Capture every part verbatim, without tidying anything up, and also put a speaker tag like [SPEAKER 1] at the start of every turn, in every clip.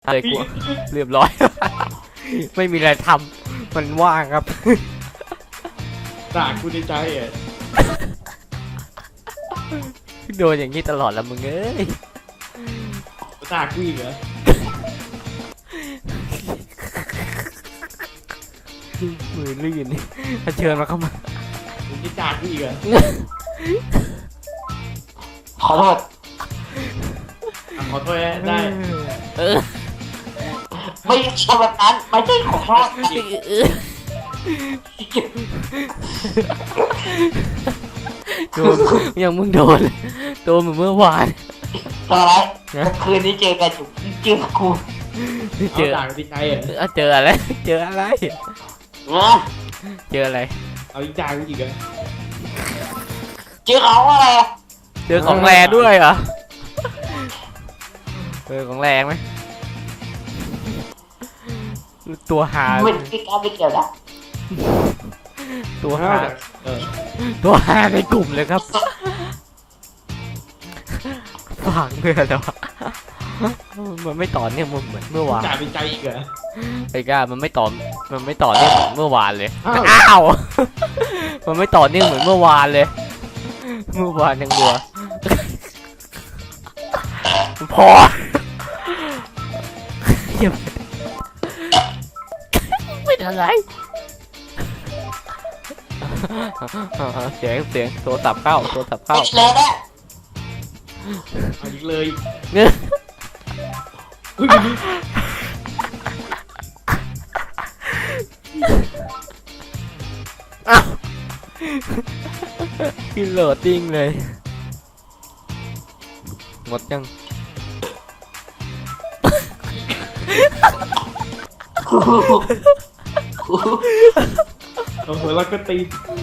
[SPEAKER 1] อะไรกูเรียบร้อย ไม่มีอะไรทำมันว่างครับ
[SPEAKER 2] ด่ากูในใจอ่ะ
[SPEAKER 1] โดนอย่างนี้ตลอดละมึงเอ้ย
[SPEAKER 2] ด่ากูอีกเหรอ
[SPEAKER 1] มือลื่นเชิญมาเข้ามา
[SPEAKER 2] มึงจะด่ากูอีกเหรอ
[SPEAKER 3] ขอโทษ
[SPEAKER 2] อ่ะขอโทษนะได้
[SPEAKER 1] เออ
[SPEAKER 3] ไม่ใช่แบบนั้นไม่ใช่ขอโทษ
[SPEAKER 1] โดนยังมึงโดนโดนเหมือนเมื่อวาน
[SPEAKER 3] ตอนไรคืนนี้เจอกันอยู่เจอกู
[SPEAKER 1] เจอ
[SPEAKER 2] เอาด่ากูในใจอ่ะ
[SPEAKER 1] เอาเจออะไรเจออะไร
[SPEAKER 3] นะ
[SPEAKER 1] เจออะไร
[SPEAKER 2] เอาอีกด่ากูอีกเหรอ
[SPEAKER 3] เจอเขาอะไร
[SPEAKER 1] เจอของแรงด้วยเหรอเจอของแรงไหมตัวหา
[SPEAKER 3] ไม่ไม่กล้าไม่เกี่ยวนะ
[SPEAKER 1] ตัวหา
[SPEAKER 2] เออ
[SPEAKER 1] ตัวหาในกลุ่มเลยครับฝังเพื่อนแล้วะมันไม่ต่อเนื่องเหมือนเมื่อวาน
[SPEAKER 2] ด่าในใจอีกเหรอ
[SPEAKER 1] ไอ้ก้ามันไม่ต่อมันไม่ต่อเนื่องเหมือนเมื่อวานเลย
[SPEAKER 2] อ้าว
[SPEAKER 1] อ้าว มันไม่ต่อเนื่องเหมือนเมื่อวานเลย เมื่อวานยังดัวพออย่าเป็นอะไรเสียงเสียงโทรศัพท์เข้าโทรศัพท์เข้า
[SPEAKER 3] ไม่เลยนะ
[SPEAKER 2] เอาอีกเลย
[SPEAKER 1] เนี่ย
[SPEAKER 2] อุ้ย
[SPEAKER 1] อ้าวกินโหลดติ้งเลยหมดยัง
[SPEAKER 2] เอาหัวแล้วก็ตี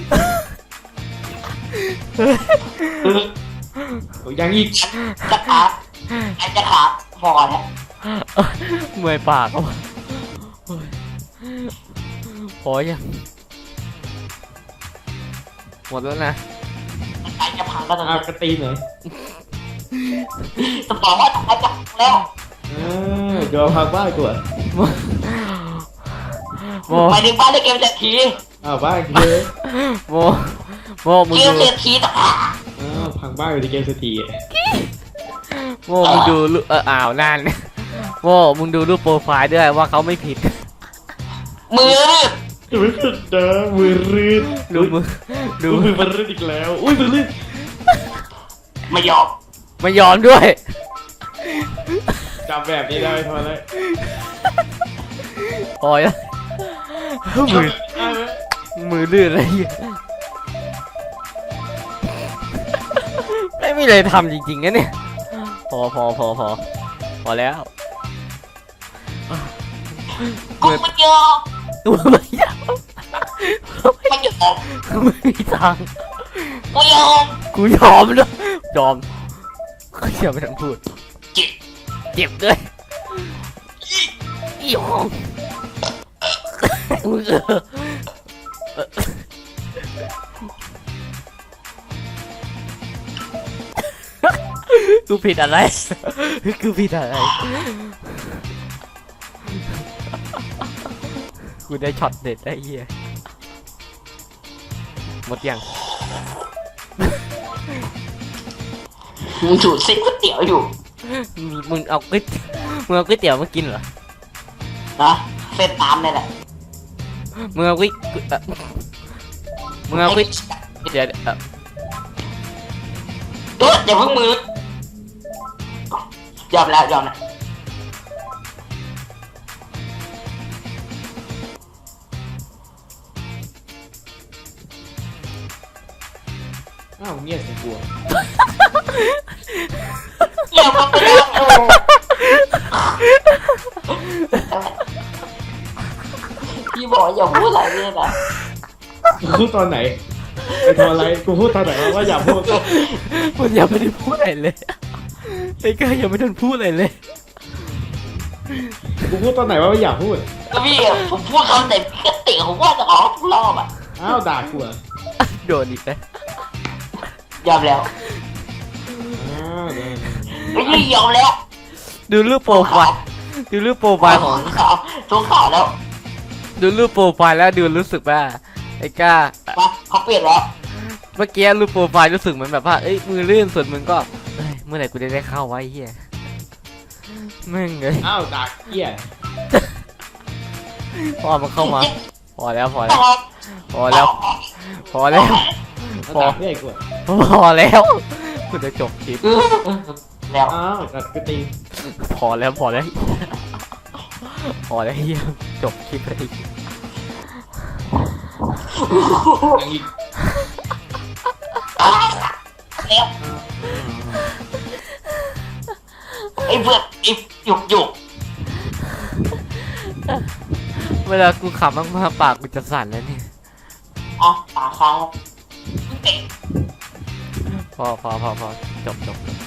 [SPEAKER 2] โอ้ยังอีก
[SPEAKER 3] จะขาไอ้จะขาพอแล้ว
[SPEAKER 1] เมื่อยปากอ่ะพอยังหมดแล้วนะ
[SPEAKER 3] ไอ้จะพังก็ต้อง
[SPEAKER 2] เอากระตีหน่อย
[SPEAKER 3] จะบอกว่าไอ้จะพังแล้ว
[SPEAKER 2] เออเดี๋ยวพักบ้านกูอ่ะ
[SPEAKER 1] โม
[SPEAKER 3] ไปถึงบ้านได้เกมเศรษฐี
[SPEAKER 2] อ้าวบ้านกูเลย
[SPEAKER 1] โมโมมึง
[SPEAKER 3] เกม
[SPEAKER 1] ดู
[SPEAKER 3] เศรษฐีต่างหาก
[SPEAKER 2] อ้าวพังบ้านอยู่ในเกมสตรีอ่ะ
[SPEAKER 1] โมมึงดูรูปเอออ้าวนั่นโมมึงดูรูปโปรไฟล์ด้วยว่าเขาไม่ผิด
[SPEAKER 3] มือรีบ
[SPEAKER 2] จะไม่ผิดเด้อมือรื่น
[SPEAKER 1] ดูมือดู
[SPEAKER 2] ดูมือมันรื่นอีกแล้วอุ้ยมือรื่น
[SPEAKER 3] ไม่ยอม
[SPEAKER 1] ไม่ยอมด้วย
[SPEAKER 2] จับแบบนี้ได้ทำอะไร
[SPEAKER 1] พอแล้วมือมือลื่นอะไรอย่างเงี้ยไม่มีอะไรทำจริงๆนะเนี่ยพอพอพอพอพอแล้ว
[SPEAKER 3] กูไม่ยอม
[SPEAKER 1] ตัวไม่ยอม
[SPEAKER 3] ไม่ยอม
[SPEAKER 1] ไม่มีทาง
[SPEAKER 3] กูยอม
[SPEAKER 1] กูยอมด้วยยอมเชื่อไม่ต้องพูด
[SPEAKER 3] จิต
[SPEAKER 1] เจ็บด้วยยอมมึงเออกูผิดอะไรกูผิดอะไรกูได้ช็อตเด็ดได้เหี้ยหมดยัง
[SPEAKER 3] มึงถูดเส้นก๋วยเตี๋ยวอยู่
[SPEAKER 1] มึงเอาก๋วยมึงเอาก๋วยเตี๋ยวมากินเหรอ
[SPEAKER 3] นะเส้นตามนี่แหละ
[SPEAKER 1] มึงเอาก๋วยเอ่อมึงเอาก๋วยเดี๋ยวเอ่อ
[SPEAKER 3] เอออย่าเพิ่งมือยอมแล้วยอมแล้ว
[SPEAKER 2] อ้าวเงียบสิกู
[SPEAKER 3] อย่ามาไปแล้วโอ้พี่บอกอย่าพูดอะไรเลยนะ
[SPEAKER 2] กูพูดตอนไหนไปทำอะไรกูพูดตอนไหนวะว่าอย่าพูด
[SPEAKER 1] มันยังไม่ได้พูดอะไรเลยไอ้ก้ายังไม่ทันพูดอะไรเลย
[SPEAKER 2] กูพูดตอนไหนว่าอย่าพูด
[SPEAKER 3] ก็พี่อะผมพูดคำไหนพี่ก็ติผมว่าจะออกทุกรอบอ่ะ
[SPEAKER 2] อ้าวด่ากูอ่ะ
[SPEAKER 1] โดนอีกแล้ว
[SPEAKER 3] ยอมแล้ว
[SPEAKER 2] อ้าวเดี๋ยว
[SPEAKER 3] ไม่ยอมแล้ว
[SPEAKER 1] ดูรูปโปรไฟล์ดูรูปโปรไฟล์ของ
[SPEAKER 3] ทุกข่าวทุกข่าวแล้ว
[SPEAKER 1] ดูรูปโปรไฟล์แล้วดูรู้สึกว่าไอ้ก้า
[SPEAKER 3] มาเขาเปลี่ยนแล้ว
[SPEAKER 1] เมื่อกี้รูปโปรไฟล์รู้สึกเหมือนแบบว่าเอ้ยมือลื่นส่วนมึงก็เอ้ยเมื่อไหร่กูจะได้เข้าวะไอ้เหี้ยมึงเลย
[SPEAKER 2] อ้าวดักเหี้ย
[SPEAKER 1] พอมันเข้ามาพอแล้วพอแล้วพอแล้วพอแล้ว
[SPEAKER 2] แล้ว
[SPEAKER 1] พอ
[SPEAKER 2] ดักเหี้ยกู
[SPEAKER 1] พอแล้วกูจะจบคลิป
[SPEAKER 3] แล้ว
[SPEAKER 2] อ้าวดักกูตี
[SPEAKER 1] พอแล้วพอแล้วพอแล้วเฮียจบคลิปเลย
[SPEAKER 2] ดังอีก
[SPEAKER 3] แล้วไอ้เพื่อนไอ้หยุกหยุก
[SPEAKER 1] เวลากูขำมากๆปากกูจะสั่นแล้วเนี่ย
[SPEAKER 3] อ๋อตาค้างเตะ
[SPEAKER 1] พอพอพอพอจบจบจบ